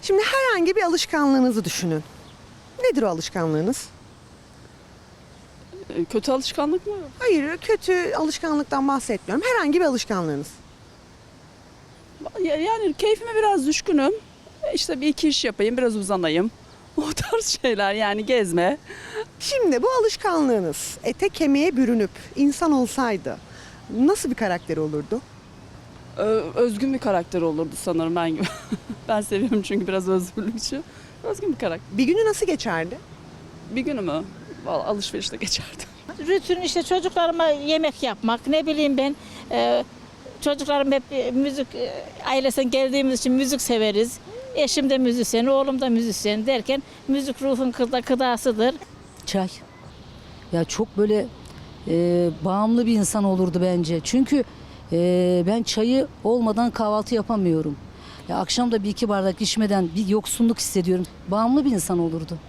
Şimdi herhangi bir alışkanlığınızı düşünün. Nedir o alışkanlığınız? Kötü alışkanlık mı? Hayır, kötü alışkanlıktan bahsetmiyorum. Herhangi bir alışkanlığınız. Yani keyfime biraz düşkünüm. İşte bir iki iş yapayım, biraz uzanayım. O tarz şeyler, yani gezme. Şimdi bu alışkanlığınız ete kemiğe bürünüp insan olsaydı nasıl bir karakteri olurdu? Özgün bir karakter olurdu sanırım ben gibi. Ben seviyorum çünkü biraz özgürlükçü. Özgün bir karakter. Bir günü nasıl geçerdi? Bir günümü vallahi alışverişte geçerdi. Rutin işte çocuklarıma yemek yapmak, ne bileyim ben, çocuklarım hep müzik ailesinden geldiğimiz için müzik severiz. Eşim de müzisyen, oğlum da müzisyen derken müzik ruhun gıdasıdır. Çay. Ya çok böyle bağımlı bir insan olurdu bence. Çünkü ben çayı olmadan kahvaltı yapamıyorum. Ya akşam da bir iki bardak içmeden bir yoksunluk hissediyorum. Bağımlı bir insan olurdu.